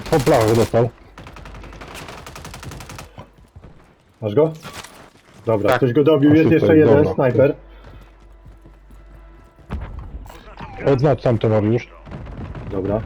Po blachach dostał. Masz go? Dobra, Tak. ktoś go dobił, O, jest super, jeszcze jeden dobra. snajper. Odznacz sam to Mariusz. Dobra.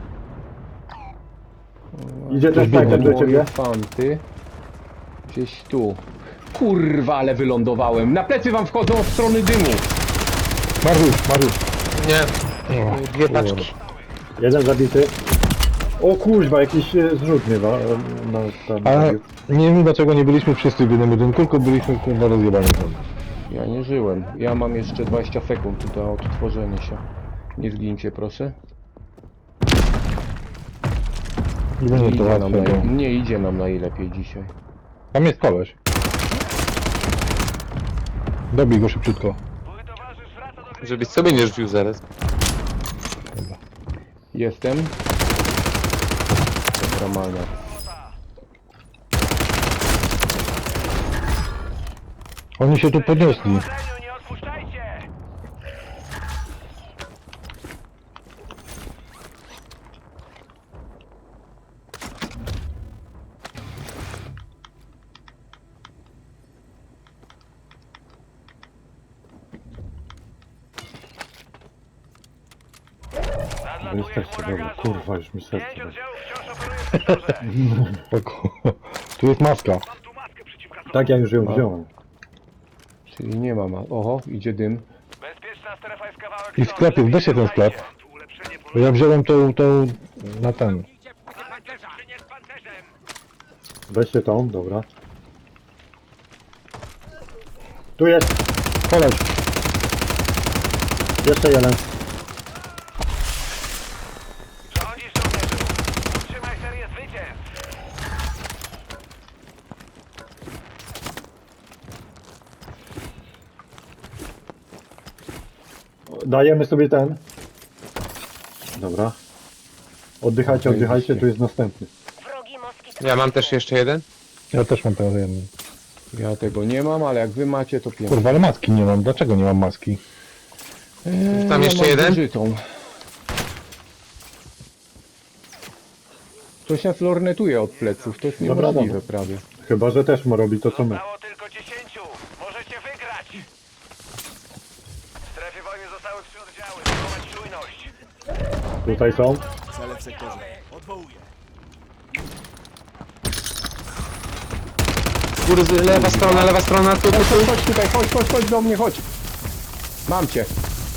Idzie ten snajper do ciebie. Fanty. Gdzieś tu. Kurwa, ale wylądowałem. Na plecy wam wchodzą od strony dymu. Mariusz. Nie, O, dwie paczki. Jeden zabity. O kuźwa, jakiś zrzut mnie tam Ale zabił. nie wiem dlaczego nie byliśmy wszyscy w jednym budynku, tylko byliśmy kurwa rozjebani. Ja nie żyłem. Ja mam jeszcze 20 sekund do odtworzenia się. Nie zgincie, proszę. Nie będzie to Idzie nam łatwe, bo... nie idzie nam najlepiej dzisiaj. Tam jest koleś. Dobij go szybciutko. Żebyś sobie nie rzucił zaraz. Jestem. Dobra, mania. Oni się tu podnieśli. No jesteście, dobra, kurwa, już mi serce. Spoko. Tu jest maska. Tak, ja już ją wziąłem. Czyli nie ma. Oho, idzie dym. I w sklepie, weź się ten sklep. Bo ja wziąłem tą na ten. Weźcie tą, dobra. Tu jest, Koleś. jeszcze jeden. Rządzisz żołnierzu. Trzymaj serię zwycięstw. Dajemy sobie ten. Dobra. Oddychajcie, tu jest następny. Wrogi moskit. Ja mam też jeszcze jeden. Ja też mam teraz jeden. Ja tego nie mam, ale jak wy macie, to pięknie. Kurwa, ale maski nie mam. Dlaczego nie mam maski? Tam jeszcze mam jeden? zużytą. Ktoś nas lornetuje od pleców, to jest Dobra, niemożliwe dobra. prawie. Chyba, że też ma robić to co my. Zostało tylko 10. Możecie wygrać. W strefie wojny zostały 3 oddziały. Zachować czujność. Tutaj są. Góry, lewa strona, tu. Chodź tutaj, chodź do mnie, chodź. Mam cię.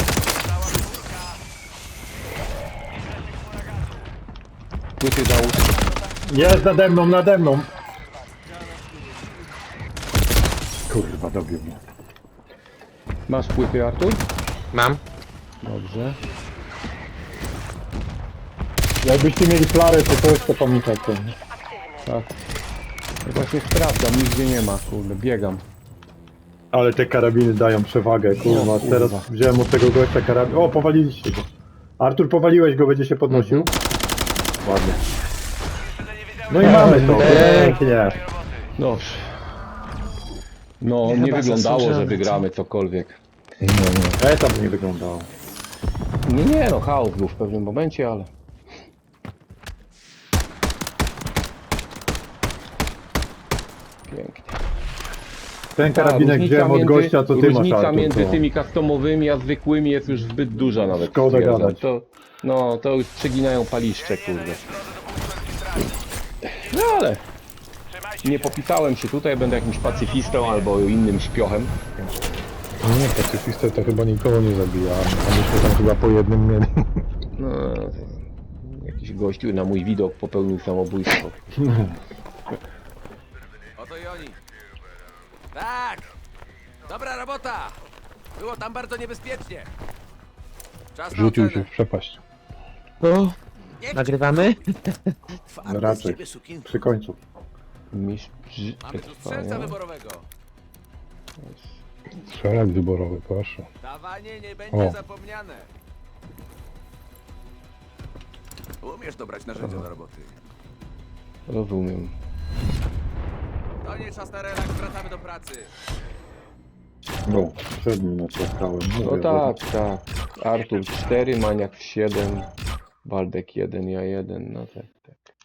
Płyty załóż. Jest nade mną. Kurwa, dobił mnie. Masz płyty, Artur? Mam. Dobrze. Jakbyście mieli flarę, to coś, to pamiętajcie. Tak. Ja właśnie sprawdzam, nigdzie nie ma, kurde, biegam. Ale te karabiny dają przewagę, kurwa. O, kurwa. Teraz wziąłem od tego gościa karabin. O, powaliliście go. Artur, powaliłeś go, będzie się podnosił. Ładnie. No i mamy to. Pięknie. Dobrze. No, Chyba nie wyglądało, że zasłużamy, wygramy cokolwiek. Etap nie wyglądał. Nie, no chaos był w pewnym momencie, ale... Pięknie. Ten karabinek wziąłem od gościa, co ty masz, różnica Artur. między to- tymi customowymi a zwykłymi jest już zbyt duża nawet. Szkoda stwierdzam. gadać. To już przeginają paliszcze, kurde. No ale... Nie popisałem się tutaj, będę jakimś pacyfistą albo innym śpiochem. Nie, pacyfista to chyba nikogo nie zabija. A myśmy tam chyba po jednym mieli. No, jakiś gościu na mój widok popełnił samobójstwo. Oto i oni. Tak! Dobra robota! Było tam bardzo niebezpiecznie. Czas na Rzucił ocenę. się w przepaść. O, nagrywamy? No raczej. Przy końcu. Mistrz Mamy tu strzelca przetrwania. wyborowego. Strzelak wyborowy, proszę. Dawanie nie będzie O. zapomniane. Umiesz dobrać narzędzia do roboty. Rozumiem. To nie czas na relaks, wracamy do pracy. No, przed nim naciskałem. No tak, tak. Artur 4, Maniak 7, Waldek 1, ja 1, no tak, tak.